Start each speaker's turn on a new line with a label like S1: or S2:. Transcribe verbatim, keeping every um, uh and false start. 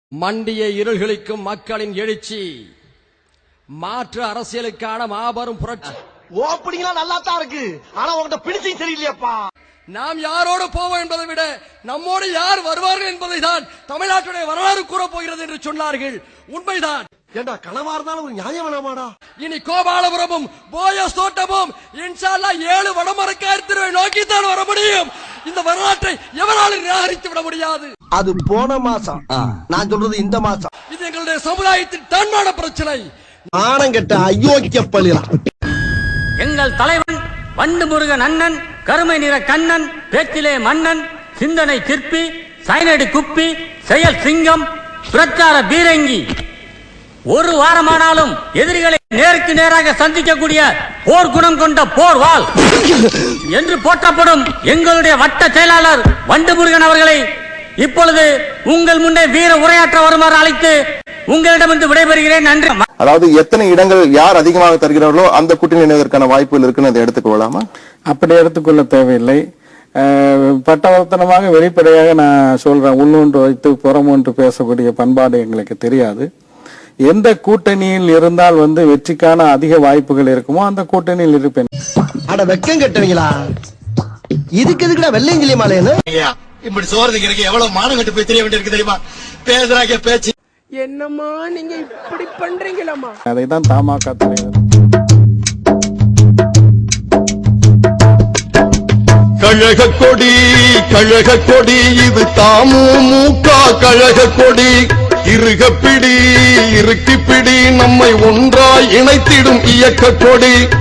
S1: மண்டிய இருள்களுக்கும் மக்களின் எழுச்சி மாற்று அரசியலுக்கான மாபெரும் புரட்சி.
S2: ஓப்பனிங்லாம் நல்லா தான் இருக்கு, ஆனா உங்ககிட்ட பிடிச்சும் சரியில்லையாப்பா.
S1: நாம் யாரோடு போவோம் என்பதை விட நம்மோடு யார் வருவார்கள் என்பதை தான் தமிழ்நாட்டுடைய வரலாறு கூறப் போகிறது என்று சொன்னார்கள். உண்மைதான்.
S2: ஏண்டா கனவா இருந்தாலும் ஒரு நியாயம் வேணாமாடா?
S1: இனி கோபாலபுரமும் போயஸ் தோட்டமும் இன்ஷா அல்லாஹ் ஏழு வடமரக்கார் திருவை நோக்கித்தான் வர முடியும். இந்த வரலாற்றை எவராலும் நிராகரித்து விட முடியாது.
S2: அது போன மாசம், நான் சொல்றது இந்த மாசம்.
S1: இது எங்களுடைய சமுதாயத்தின் தன்மான பிரச்சனை.
S2: ஆனங்கட்ட அயோக்கிய பள்ளியா.
S3: எங்கள் தலைவன் வண்டு முருகன் அண்ணன், கருமை நிற கண்ணன், பேச்சிலே மன்னன், சிந்தனை சிற்பி, சைனடி குப்பி, செயல் சிங்கம், பிரச்சார பீரங்கி, ஒரு வாரமானாலும் எதிரிகளை நேருக்கு நேராக சந்திக்கக்கூடிய போர் குணம் கொண்ட போர் வாள் என்று போற்றப்படும் எங்களுடைய வட்ட செயலாளர் வண்டு முருகன் அவர்களை இப்பொழுது உங்கள் முன்னே வீர உரையாற்ற வருமாறு அழைத்து உங்களிடமிருந்து விடைபெறுகிறேன். நன்றி.
S4: அதாவது எத்தனை இடங்கள் யார் அதிகமாக தருகிறார்களோ அந்த கூட்டணி இணைவதற்கான வாய்ப்புகள் இருக்குன்னு அதை எடுத்துக்கொள்ளலாமா?
S5: அப்படி எடுத்துக்கொள்ள தேவையில்லை. பட்டவர்த்தனமாக வெளிப்படையாக நான் சொல்றேன், உள்ளொன்று வைத்து புறம் ஒன்று பேசக்கூடிய பண்பாடு எங்களுக்கு தெரியாது. எந்த கூட்டணியில் இருந்தால் வந்து வெற்றிக்கான அதிக வாய்ப்புகள் இருக்குமோ அந்த கூட்டணியில் இருப்பேன்.
S2: அட வெக்கம் கட்டுவீங்களா? இதுக்கு எதுக்குடா வெள்ளையங்கிலி மாலைன்னு
S6: இப்படி சோறதுக்கு எனக்கு எவ்வளவு மானம் கட்டு போய் தெரிய வேண்டியிருக்கு தெரியுமா? பேசுறாங்க பேச்சு.
S7: என்னம்மா நீங்க இப்படி பண்றீங்களாமா?
S5: அதைதான் தமாக தலைவர்
S8: கழக கொடி கழக கொடி இது தாமுமுக கழக கொடி, இருக பிடி இறுக்கி பிடி நம்மை ஒன்றாய் இணைத்திடும் இயக்க கொடி.